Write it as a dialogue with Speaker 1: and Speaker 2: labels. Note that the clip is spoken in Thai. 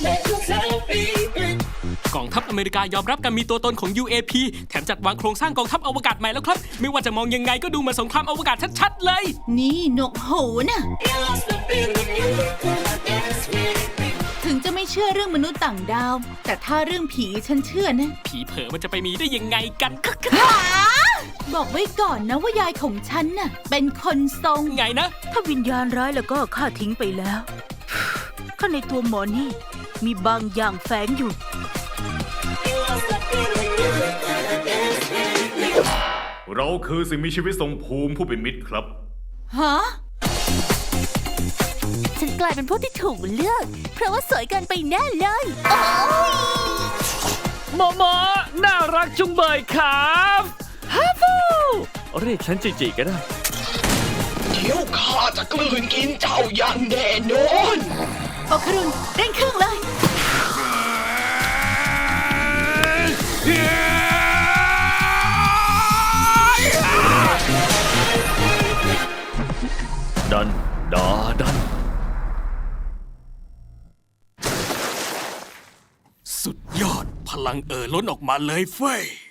Speaker 1: กองทัพอเมริกายอมรับการมีตัวตนของ UAP แถมจัดวางโครงสร้างกองทัพอวกาศใหม่แล้วครับไม่ว่าจะมองยังไงก็ดูเหมือนสงครามอวกาศชัดๆเลย
Speaker 2: นี่นกหูน่ะถึงจะไม่เชื่อเรื่องมนุษย์ต่างดาวแต่ถ้าเรื่องผีฉันเชื่อนะ
Speaker 1: ผีเผลอมันจะไปมีได้ยังไงกัน
Speaker 2: บอกไว้ก่อนนะว่ายายของฉันน่ะเป็นคนทรง
Speaker 1: ไงนะ
Speaker 3: ถ้าวิญญาณร้ายแล้วก็ข้าทิ้งไปแล้วข้างในตัวหมอนี่มีบางอย่างแฝงอยู่
Speaker 4: เราคือสิ่งมีชีวิตทรงภูมิผู้เป็นมิตรครับ
Speaker 2: ฮะ
Speaker 3: ฉันกลายเป็นผู้ที่ถูกเลือกเพราะว่าสวยเกินไปแน่เลย
Speaker 5: หมอน่ารักจุงเบยครับฮัฟฟูเรียกฉันจีก็ได้
Speaker 6: เดี๋ยวข้าจะกลืนกินเจ้าอย่างแน่นอน
Speaker 2: โอครุนเร่งเครื่องเลย
Speaker 5: ดัน
Speaker 1: สุดยอดพลังล้นออกมาเลยเฟ้ย